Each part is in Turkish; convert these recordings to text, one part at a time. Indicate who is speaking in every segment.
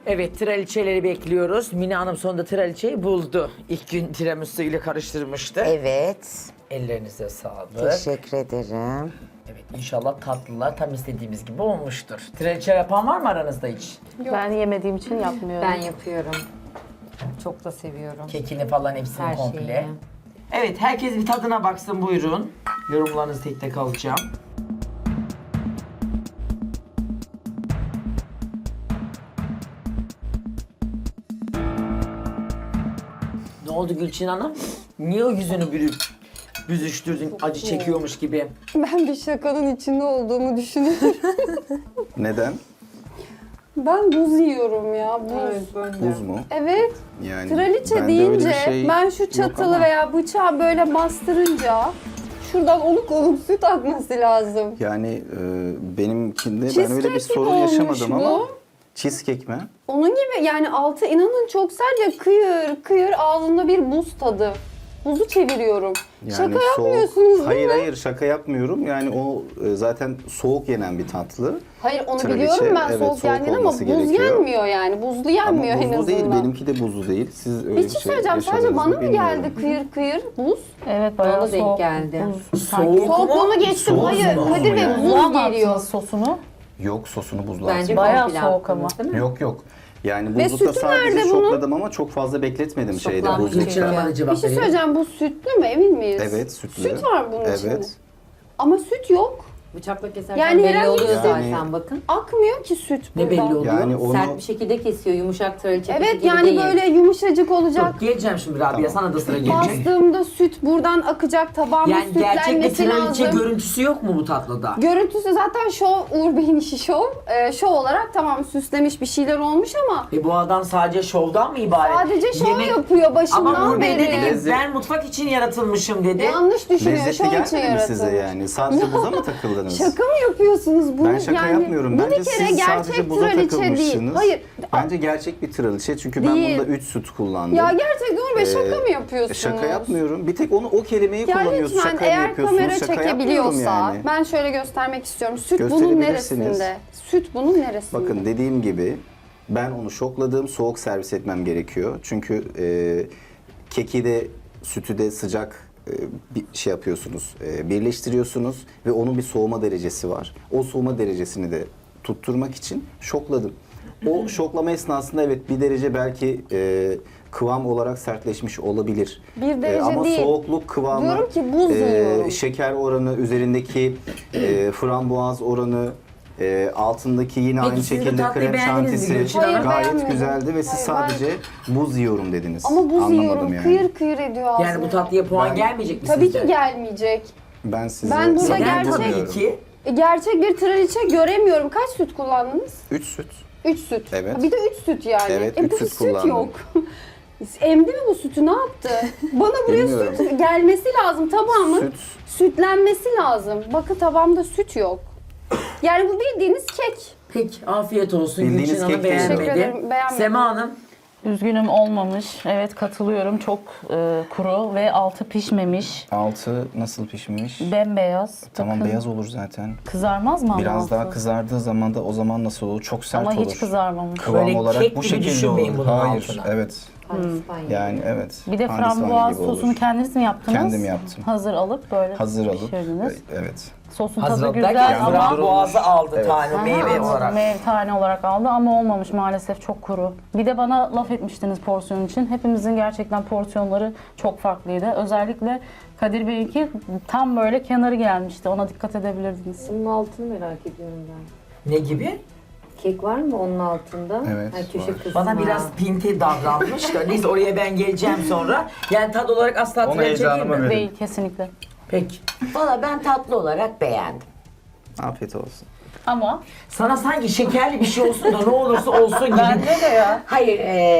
Speaker 1: Evet, traliçeleri bekliyoruz. Mine Hanım sonunda traliçeyi buldu. İlk gün tiramisu ile karıştırmıştı.
Speaker 2: Evet.
Speaker 1: Ellerinize sağlık.
Speaker 2: Teşekkür ederim.
Speaker 1: Evet, inşallah tatlılar tam istediğimiz gibi olmuştur. Traliçe yapan var mı aranızda hiç?
Speaker 3: Ben yemediğim için yapmıyorum.
Speaker 4: Ben yapıyorum. Çok da seviyorum.
Speaker 1: Kekini falan hepsini
Speaker 4: Her
Speaker 1: komple.
Speaker 4: şeyi.
Speaker 1: Evet, herkes bir tadına baksın buyurun. Yorumlarınızı tek tek alacağım. Ne oldu Gülçin Hanım? Niye o yüzünü büzüştürdün acı çekiyormuş gibi?
Speaker 5: Ben bir şakanın içinde olduğumu düşünüyorum.
Speaker 6: Neden?
Speaker 5: Ben buz yiyorum ya, buz.
Speaker 6: Buz mu?
Speaker 5: Evet,
Speaker 6: Yani
Speaker 5: traliçe
Speaker 6: bende öyle bir
Speaker 5: deyince
Speaker 6: şey
Speaker 5: ben şu
Speaker 6: yok
Speaker 5: çatalı
Speaker 6: ama
Speaker 5: veya bıçağı böyle bastırınca şuradan oluk oluk süt akması lazım.
Speaker 6: Yani benimkinde ben
Speaker 5: Cheesecake
Speaker 6: öyle bir
Speaker 5: gibi
Speaker 6: sorun
Speaker 5: olmuş
Speaker 6: yaşamadım ama
Speaker 5: bu.
Speaker 6: cheesecake mi?
Speaker 5: Onun gibi yani altı inanın çok sert ya, kıyır kıyır ağzında bir buz tadı. Buzu çeviriyorum.
Speaker 6: Yani
Speaker 5: Şaka
Speaker 6: soğuk.
Speaker 5: yapmıyorsunuz değil
Speaker 6: Hayır
Speaker 5: mi?
Speaker 6: hayır şaka yapmıyorum. Yani o zaten soğuk yenen bir tatlı.
Speaker 5: Hayır onu
Speaker 6: Traliçe,
Speaker 5: biliyorum ben
Speaker 6: evet,
Speaker 5: soğuk
Speaker 6: soğuk
Speaker 5: yendiğini ama
Speaker 6: olması
Speaker 5: buz
Speaker 6: gerekiyor.
Speaker 5: yenmiyor yani. Buzlu yenmiyor
Speaker 6: Ama
Speaker 5: en
Speaker 6: buzlu
Speaker 5: azından.
Speaker 6: değil, benimki de buzlu değil. Siz öyle
Speaker 5: Bir
Speaker 6: bir
Speaker 5: şey
Speaker 6: şey
Speaker 5: söyleyeceğim, sadece
Speaker 6: yaşadınız
Speaker 5: bana
Speaker 6: mı
Speaker 5: mı
Speaker 6: bilmiyorum.
Speaker 5: geldi kıyır kıyır buz?
Speaker 3: Evet bayağı
Speaker 4: Bana denk
Speaker 3: soğuk.
Speaker 4: geldi.
Speaker 3: Buz.
Speaker 1: Soğuk mu?
Speaker 5: Soğukluğunu geçtim,
Speaker 1: Soğuk
Speaker 5: hayır
Speaker 1: mu?
Speaker 5: Kadir Bey
Speaker 6: Yani.
Speaker 5: buz
Speaker 3: Buzluğa
Speaker 5: geliyor.
Speaker 3: attınız sosunu.
Speaker 6: Yok sosunu buzluğa
Speaker 4: Bence
Speaker 6: atmadım.
Speaker 3: Bayağı
Speaker 4: komple
Speaker 3: soğuk
Speaker 4: attınız,
Speaker 3: ama.
Speaker 4: değil mi?
Speaker 6: Yok. Yani
Speaker 5: Ve
Speaker 6: buzlukta
Speaker 5: sütü
Speaker 6: sadece
Speaker 5: nerede bunun?
Speaker 6: şokladım ama çok fazla bekletmedim şeyde
Speaker 4: Şoklanmış
Speaker 6: buzlukta.
Speaker 1: Gülçin Hanım'a da cevap
Speaker 5: Bir şey
Speaker 1: vereyim.
Speaker 5: söyleyeceğim, bu sütlü mü emin miyiz?
Speaker 6: Evet sütlü.
Speaker 5: Süt var bunun içinde.
Speaker 6: Evet.
Speaker 5: Ama süt yok.
Speaker 4: Bıçakla keserken
Speaker 5: Yani
Speaker 4: belli
Speaker 5: herhangi
Speaker 4: oluyor
Speaker 6: bir-
Speaker 4: zaten
Speaker 6: Yani-
Speaker 4: bakın.
Speaker 5: Akmıyor ki süt
Speaker 1: Ne
Speaker 5: burada.
Speaker 1: belli oluyor?
Speaker 6: Yani onu
Speaker 4: Sert bir şekilde kesiyor. Yumuşak traliçe
Speaker 5: Evet
Speaker 4: gibi
Speaker 5: yani
Speaker 4: değil.
Speaker 5: böyle yumuşacık olacak.
Speaker 1: Dur, geleceğim şimdi Rabia, sana da sıra gelecek.
Speaker 5: Bastığımda süt buradan akacak, tabağıma
Speaker 1: Yani gerçek bir
Speaker 5: sütlenmesi
Speaker 1: traliçe
Speaker 5: lazım.
Speaker 1: görüntüsü yok mu bu tatlıda?
Speaker 5: Görüntüsü zaten şov, Uğur Bey'in işi şov. Şov olarak tamam süslemiş bir şeyler olmuş ama
Speaker 1: Bu adam sadece şovdan mı ibaret?
Speaker 5: sadece şov
Speaker 1: Yemek-
Speaker 5: yapıyor
Speaker 1: Ama
Speaker 5: başından
Speaker 1: Uğur Bey dedi ki
Speaker 5: beri.
Speaker 1: ben mutfak için yaratılmışım dedi.
Speaker 5: Yanlış düşünüyor,
Speaker 6: lezzetli
Speaker 5: şov için
Speaker 6: gelmedi mi
Speaker 5: yaratılmış.
Speaker 6: size yani? Sadece buza mı takıldınız?
Speaker 5: Şaka mı yapıyorsunuz bunu?
Speaker 6: Ben şaka
Speaker 5: yani,
Speaker 6: yapmıyorum.
Speaker 5: Bu
Speaker 6: Bence
Speaker 5: bir kere
Speaker 6: siz
Speaker 5: gerçek
Speaker 6: sadece buza
Speaker 5: traliçe değil.
Speaker 6: takılmışsınız.
Speaker 5: Hayır.
Speaker 6: Bence gerçek bir traliçe çünkü ben
Speaker 5: Değil.
Speaker 6: bunda 3 süt kullandım.
Speaker 5: Ya gerçekten Uğur Bey şaka mı yapıyorsunuz?
Speaker 6: Şaka yapmıyorum. Bir tek o kelimeyi
Speaker 5: Ya
Speaker 6: kullanıyorsun.
Speaker 5: lütfen
Speaker 6: Şaka mı
Speaker 5: eğer
Speaker 6: yapıyorsunuz?
Speaker 5: kamera
Speaker 6: Şaka yapmıyorum
Speaker 5: çekebiliyorsa
Speaker 6: yani.
Speaker 5: ben şöyle göstermek istiyorum. Süt bunun
Speaker 6: Gösterebilirsiniz.
Speaker 5: neresinde? Süt bunun neresinde?
Speaker 6: Bakın dediğim gibi ben onu şokladım. Soğuk servis etmem gerekiyor. Çünkü keki de sütü de sıcak bir şey yapıyorsunuz. Birleştiriyorsunuz ve onun bir soğuma derecesi var. O soğuma derecesini de tutturmak için şokladım. O şoklama esnasında evet bir derece belki kıvam olarak sertleşmiş olabilir.
Speaker 5: Bir derece
Speaker 6: ama
Speaker 5: değil.
Speaker 6: soğukluk kıvamı,
Speaker 5: Diyorum ki buz yiyorum.
Speaker 6: şeker oranı, üzerindeki frambuaz oranı, altındaki yine
Speaker 1: Peki
Speaker 6: aynı
Speaker 1: siz bu
Speaker 6: şekilde
Speaker 1: tatlıyı
Speaker 6: krem
Speaker 1: beğendiniz mi
Speaker 6: şantisi
Speaker 1: Gülçin Hanım?
Speaker 5: Hayır,
Speaker 6: gayet
Speaker 5: beğenmedim.
Speaker 6: güzeldi ve siz
Speaker 5: Hayır,
Speaker 6: sadece buz yiyorum dediniz.
Speaker 5: Ama buz
Speaker 6: Anlamadım
Speaker 5: yiyorum.
Speaker 6: yani.
Speaker 5: Kıyır kıyır ediyor ağzıma.
Speaker 1: Yani bu tatlıya puan
Speaker 6: Ben-
Speaker 1: gelmeyecek mi
Speaker 5: Tabii
Speaker 1: sizce?
Speaker 5: ki gelmeyecek.
Speaker 6: Ben size
Speaker 5: Ben burada
Speaker 1: Neden
Speaker 5: gerçek-
Speaker 1: tabii ki?
Speaker 5: Gerçek bir traliçe göremiyorum. Kaç süt kullandınız?
Speaker 6: 3 süt.
Speaker 5: 3 süt.
Speaker 6: Evet.
Speaker 5: Ha, bir de 3 süt yani.
Speaker 6: Evet,
Speaker 5: bu
Speaker 6: üç süt
Speaker 5: süt
Speaker 6: kullandım.
Speaker 5: yok. Emdi mi bu sütü? Ne yaptı? Bana buraya
Speaker 6: Bilmiyorum.
Speaker 5: süt gelmesi lazım. Tabağımın
Speaker 6: Süt.
Speaker 5: sütlenmesi lazım. Bakın tabağımda süt yok. Yani bu bildiğiniz kek.
Speaker 1: Peki afiyet olsun.
Speaker 6: Bildiğiniz
Speaker 1: Gülçin Hanım
Speaker 6: kek değil.
Speaker 5: Teşekkür
Speaker 1: beğenmedi.
Speaker 5: ederim, beğenmedim.
Speaker 1: Sema Hanım.
Speaker 3: Üzgünüm olmamış. Evet katılıyorum. Çok kuru ve altı pişmemiş.
Speaker 6: Altı nasıl pişmiş?
Speaker 3: Bembeyaz.
Speaker 6: Tamam
Speaker 3: Bakın,
Speaker 6: beyaz olur zaten.
Speaker 3: Kızarmaz mı ama
Speaker 6: Biraz
Speaker 3: altı?
Speaker 6: daha kızardığı zaman da o zaman nasıl olur? Çok sert
Speaker 3: Ama
Speaker 6: olur.
Speaker 3: hiç kızarmamış.
Speaker 6: Kıvam
Speaker 1: Böyle
Speaker 6: olarak
Speaker 1: kek
Speaker 6: bu
Speaker 1: gibi
Speaker 6: şekilde
Speaker 1: düşünmeyin
Speaker 6: olur.
Speaker 1: bunun
Speaker 6: Hayır,
Speaker 1: altına.
Speaker 6: evet.
Speaker 4: Pandispanya.
Speaker 6: Yani evet.
Speaker 3: Bir de
Speaker 6: Pandispanya
Speaker 3: frambuaz
Speaker 6: gibi olur.
Speaker 3: sosunu kendiniz mi yaptınız?
Speaker 6: Kendim yaptım.
Speaker 3: Hazır alıp böyle
Speaker 6: Hazır alıp,
Speaker 3: pişirdiniz.
Speaker 6: evet.
Speaker 3: Sosun
Speaker 1: Hazır
Speaker 3: tadı
Speaker 1: alıp
Speaker 3: güzel
Speaker 1: derken
Speaker 3: ama...
Speaker 1: frambuazı aldı
Speaker 6: Evet.
Speaker 1: tane
Speaker 3: Aha,
Speaker 1: meyve
Speaker 3: anladım.
Speaker 1: olarak.
Speaker 3: Meyve tane olarak aldı ama olmamış maalesef, çok kuru. Bir de bana laf etmiştiniz porsiyon için. Hepimizin gerçekten porsiyonları çok farklıydı. Özellikle Kadir Bey'inki tam böyle kenarı gelmişti. Ona dikkat edebilirdiniz.
Speaker 4: Bunun altını merak ediyorum ben.
Speaker 1: Ne gibi?
Speaker 4: Kek var mı onun altında?
Speaker 6: Evet,
Speaker 4: Köşe
Speaker 6: var.
Speaker 4: kısmı.
Speaker 1: Bana biraz pinti davranmış da neyse oraya ben geleceğim sonra. Yani tad olarak asla
Speaker 6: Onu
Speaker 1: traliçe değil
Speaker 6: heyecanıma
Speaker 1: mi?
Speaker 6: verin.
Speaker 3: Değil kesinlikle.
Speaker 1: Peki.
Speaker 2: Valla ben tatlı olarak beğendim.
Speaker 6: Afiyet olsun.
Speaker 3: Ama
Speaker 1: Sana sanki şekerli bir şey olsun da ne olursa olsun gibi.
Speaker 3: bence de ya.
Speaker 2: Hayır,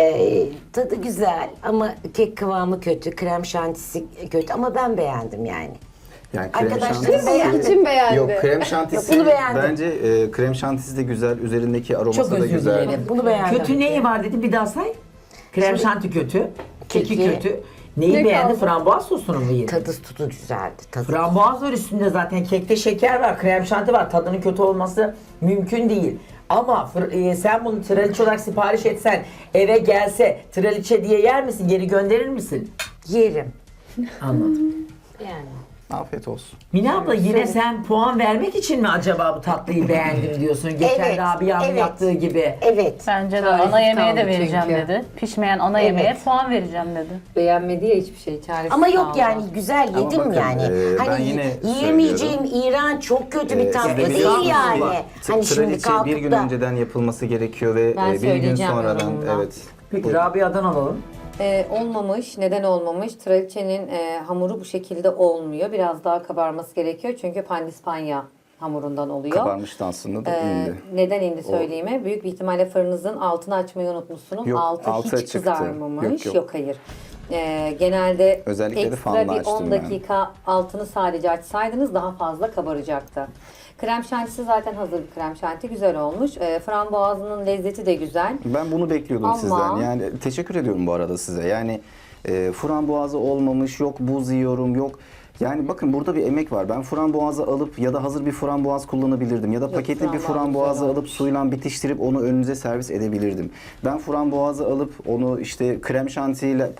Speaker 2: tadı güzel ama kek kıvamı kötü, krem şantisi kötü ama ben beğendim yani.
Speaker 6: Yani krem
Speaker 2: Arkadaşlarım
Speaker 6: şantisi...
Speaker 2: beğendi.
Speaker 5: İçim beğendi.
Speaker 6: Yok krem şantisi
Speaker 2: Bunu beğendim.
Speaker 6: bence krem şantisi de güzel, üzerindeki aroması
Speaker 1: Çok
Speaker 6: da
Speaker 1: özür
Speaker 6: güzel.
Speaker 1: dilerim.
Speaker 2: Bunu beğendim.
Speaker 1: Kötü neyi var dedi bir daha say. Krem şanti kötü. Keki
Speaker 2: Keki.
Speaker 1: kötü. Neyi
Speaker 5: Ne
Speaker 1: beğendi?
Speaker 5: kaldı?
Speaker 1: Frambuaz sosunu mu yedi?
Speaker 2: Tadı tutu güzeldi. Tadı.
Speaker 1: Frambuaz var üstünde zaten. Kekte şeker var, krem şanti var. Tadının kötü olması mümkün değil. Ama sen bunu traliçe olarak sipariş etsen, eve gelse traliçe diye yer misin? Geri gönderir misin?
Speaker 2: Yerim.
Speaker 1: Anladım.
Speaker 2: Yani.
Speaker 6: Afiyet olsun.
Speaker 1: Mine abla yine sen puan vermek için mi acaba bu tatlıyı beğendim diyorsun? Geçen
Speaker 2: Evet,
Speaker 1: Rabia'nın
Speaker 2: evet.
Speaker 1: yaptığı gibi.
Speaker 2: Evet.
Speaker 3: Bence de
Speaker 4: Çaresiz
Speaker 3: ana yemeğe de
Speaker 4: kaldı
Speaker 3: vereceğim
Speaker 4: çünkü.
Speaker 3: dedi. Pişmeyen ana yemeğe puan vereceğim dedi.
Speaker 4: Beğenmedi ya hiçbir şey. Çaresiz
Speaker 2: Ama yok
Speaker 4: kaldı.
Speaker 2: yani güzel
Speaker 6: Ama
Speaker 2: yedim
Speaker 6: bakın,
Speaker 2: yani.
Speaker 6: ben
Speaker 2: Hani
Speaker 6: yine
Speaker 2: yiyemeyeceğim iğrenç çok kötü bir tatlı
Speaker 6: Siz de
Speaker 2: değil
Speaker 6: biliyorsunuz
Speaker 2: yani.
Speaker 6: ama
Speaker 2: Hani şimdi
Speaker 6: traliçe bir gün
Speaker 2: kalkıp da
Speaker 6: önceden yapılması gerekiyor ve
Speaker 4: Ben
Speaker 6: bir gün
Speaker 4: söyleyeceğim
Speaker 6: sonradan
Speaker 4: yorumumdan.
Speaker 6: evet.
Speaker 1: Peki Rabia'dan alalım.
Speaker 4: Olmamış. Neden olmamış? Traliçenin hamuru bu şekilde olmuyor. Biraz daha kabarması gerekiyor. Çünkü pandispanya hamurundan oluyor.
Speaker 6: Kabarmıştı aslında da indi.
Speaker 4: Neden indi söyleyeyim mi? Büyük bir ihtimalle fırınızın altını açmayı unutmuşsunuz.
Speaker 6: Yok,
Speaker 4: altı
Speaker 6: altı
Speaker 4: hiç
Speaker 6: çıktı.
Speaker 4: kızarmamış.
Speaker 6: Yok.
Speaker 4: Yok hayır. Genelde
Speaker 6: Özellikle de
Speaker 4: ekstra
Speaker 6: fanla
Speaker 4: bir
Speaker 6: açtım
Speaker 4: 10
Speaker 6: ben.
Speaker 4: dakika altını sadece açsaydınız daha fazla kabaracaktı. Krem şantisi zaten hazır bir krem şanti. Güzel olmuş. Frambuazının lezzeti de güzel.
Speaker 6: Ben bunu bekliyordum
Speaker 4: Ama-
Speaker 6: sizden. Yani teşekkür ediyorum bu arada size. Yani frambuazı olmamış, yok buz yiyorum, yok. Yani bakın burada bir emek var. Ben frambuazı alıp ya da hazır bir frambuaz kullanabilirdim. Ya da paketli bir
Speaker 4: frambuaz
Speaker 6: frambuazı
Speaker 4: güzel
Speaker 6: alıp
Speaker 4: olmuş.
Speaker 6: suyla bitiştirip onu önünüze servis edebilirdim. Ben frambuazı alıp onu işte krem şantiyle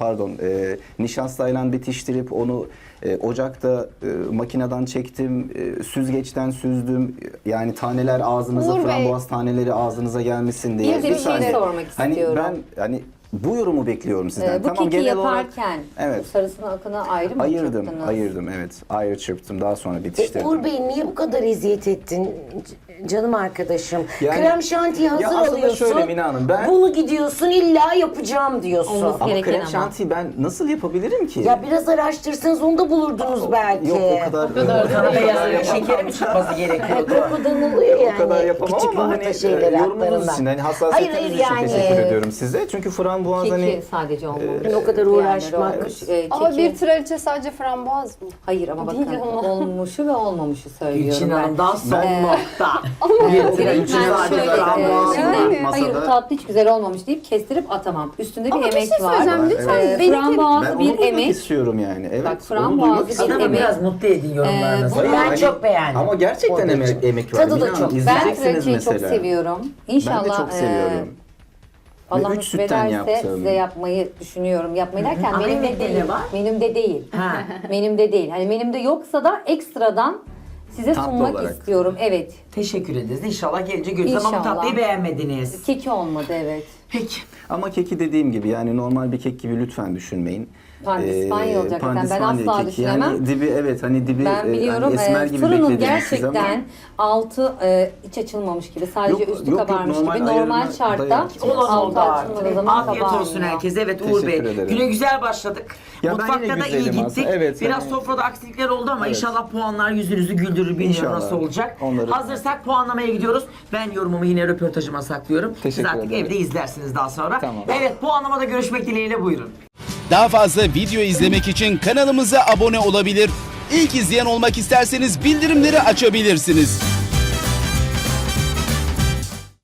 Speaker 6: nişastayla bitiştirip onu ocakta makineden çektim, süzgeçten süzdüm. Yani taneler ağzınıza,
Speaker 5: Uğur Bey.
Speaker 6: frambuaz taneleri ağzınıza gelmesin diye.
Speaker 4: Bir de bir şey
Speaker 6: saniye.
Speaker 4: sormak istiyorum.
Speaker 6: Hani bu yorumu bekliyorum sizden.
Speaker 4: Bu
Speaker 6: Tamam,
Speaker 4: keki
Speaker 6: genel olarak
Speaker 4: yaparken
Speaker 6: evet.
Speaker 4: bu sarısını akını ayrı mı
Speaker 6: Ayırdım,
Speaker 4: çırptınız?
Speaker 6: ayırdım evet. Ayrı çırptım, daha sonra bitiştirdim.
Speaker 2: Uğur Bey niye bu kadar eziyet ettin canım arkadaşım?
Speaker 6: Yani-
Speaker 2: Krem şantiyi hazır
Speaker 6: Ya aslında
Speaker 2: alıyorsun.
Speaker 6: şöyle Mine Hanım, ben-
Speaker 2: Bunu gidiyorsun illa yapacağım diyorsun.
Speaker 4: Olması
Speaker 6: Ama
Speaker 4: gereken
Speaker 6: krem
Speaker 4: ama.
Speaker 6: şantiyi ben nasıl yapabilirim ki?
Speaker 2: Ya biraz araştırsanız onu da bulurdunuz belki.
Speaker 6: Yok o kadar.
Speaker 1: Sana beyaz şekeri mi çıkması gerekiyordu?
Speaker 2: Kokudan oluyor yani.
Speaker 6: O kadar yapamam
Speaker 2: Küçük
Speaker 6: ama
Speaker 2: yumurta
Speaker 6: hani
Speaker 2: şeyleri
Speaker 6: yorumunuz
Speaker 2: hatlarından.
Speaker 6: için, hani hassasiyetiniz
Speaker 2: Hayır,
Speaker 6: için
Speaker 2: yani-
Speaker 6: teşekkür ediyorum size. Çünkü frambuaz
Speaker 4: Keki
Speaker 6: hani
Speaker 4: sadece olmamış.
Speaker 2: Yani o kadar uğraşmak.
Speaker 5: Ama bir traliçe sadece frambuaz mı?
Speaker 4: Hayır ama
Speaker 5: Değil
Speaker 4: bakın
Speaker 5: ama.
Speaker 4: olmuşu ve olmamışı söylüyorum
Speaker 1: Gülçin
Speaker 4: ben.
Speaker 1: Hanım'dan son nokta. Bir
Speaker 4: Direkt
Speaker 1: traliçe
Speaker 4: ben
Speaker 1: sadece
Speaker 4: şöyle,
Speaker 1: frambuaz.
Speaker 5: Yani.
Speaker 4: hayır bu tatlı hiç güzel olmamış deyip kestirip atamam. Üstünde bir
Speaker 5: Ama bir
Speaker 4: emek
Speaker 5: şey
Speaker 4: var.
Speaker 5: söyleyeceğim lütfen.
Speaker 6: Evet.
Speaker 5: Benimki-
Speaker 6: ben
Speaker 4: Frambuazı
Speaker 6: onu
Speaker 4: bir
Speaker 6: duymak
Speaker 4: emek.
Speaker 6: istiyorum yani. Evet.
Speaker 4: Bak,
Speaker 6: onu
Speaker 4: frambuazı
Speaker 6: duymak
Speaker 4: bir
Speaker 6: istiyorum.
Speaker 1: Adamı
Speaker 4: emek.
Speaker 1: biraz mutlu edin yorumlarınızla.
Speaker 6: Hayır,
Speaker 2: Ben
Speaker 6: hani-
Speaker 2: çok beğendim.
Speaker 6: Ama gerçekten emek var.
Speaker 2: Tadı da
Speaker 6: Mine Hanım,
Speaker 2: çok.
Speaker 4: Ben
Speaker 6: izleyeceksiniz
Speaker 4: traliçeyi çok
Speaker 6: mesela.
Speaker 4: seviyorum. İnşallah
Speaker 6: Ben de çok seviyorum.
Speaker 4: Allah
Speaker 6: Ve üç
Speaker 4: nasip
Speaker 6: sütten
Speaker 4: ederse
Speaker 6: yaptım.
Speaker 4: size yapmayı düşünüyorum. Yapmayı derken
Speaker 1: Ama
Speaker 4: menümde
Speaker 1: menüde
Speaker 4: değil.
Speaker 1: ne var?
Speaker 4: Menümde değil.
Speaker 1: Ha.
Speaker 4: Menümde değil. Hani menümde yoksa da ekstradan size
Speaker 6: Tatlı
Speaker 4: sunmak
Speaker 6: olarak.
Speaker 4: istiyorum. Evet.
Speaker 1: Teşekkür ederiz. İnşallah gelince görürüz ama bu
Speaker 4: İnşallah.
Speaker 1: tatlıyı beğenmediniz.
Speaker 4: Keki olmadı evet.
Speaker 1: Peki.
Speaker 6: Ama keki dediğim gibi yani normal bir kek gibi lütfen düşünmeyin.
Speaker 4: Pandispanya olacak zaten. Ben
Speaker 6: pandispanya
Speaker 4: asla
Speaker 6: keki.
Speaker 4: düşünemem.
Speaker 6: Yani dibi evet hani dibi
Speaker 4: Ben biliyorum
Speaker 6: hani esmer gibi
Speaker 4: fırının
Speaker 6: beklediğiniz siz ama-
Speaker 4: gerçekten altı hiç açılmamış gibi. Sadece
Speaker 6: Yok,
Speaker 4: üstü
Speaker 6: yok,
Speaker 4: kabarmış
Speaker 6: normal
Speaker 4: gibi. Normal
Speaker 6: ayarına
Speaker 4: şartta
Speaker 6: dayak.
Speaker 1: Olan
Speaker 4: altı
Speaker 1: oldu
Speaker 4: açılmadığı
Speaker 1: artık.
Speaker 4: zaman
Speaker 1: Afiyet
Speaker 4: kabarmıyor.
Speaker 1: olsun herkese. Evet Uğur Bey.
Speaker 6: Teşekkür ederim.
Speaker 1: Güne güzel başladık.
Speaker 6: Ya ben
Speaker 1: Mutfakta
Speaker 6: yine
Speaker 1: da iyi
Speaker 6: güzelim
Speaker 1: gittik.
Speaker 6: aslında. Evet,
Speaker 1: Biraz
Speaker 6: hani-
Speaker 1: sofrada aksilikler oldu ama
Speaker 6: Evet.
Speaker 1: inşallah puanlar yüzünüzü güldürür. Bilmiyorum
Speaker 6: İnşallah.
Speaker 1: nasıl olacak.
Speaker 6: Onları-
Speaker 1: Hazırsak puanlamaya gidiyoruz. Ben yorumumu yine röportajıma saklıyorum. Siz
Speaker 6: Teşekkür
Speaker 1: artık
Speaker 6: ederim.
Speaker 1: evde izlersiniz daha sonra.
Speaker 6: Tamam.
Speaker 1: Evet puanlamada görüşmek dileğiyle buyurun.
Speaker 7: Daha fazla video izlemek için kanalımıza abone olabilir. İlk izleyen olmak isterseniz bildirimleri açabilirsiniz.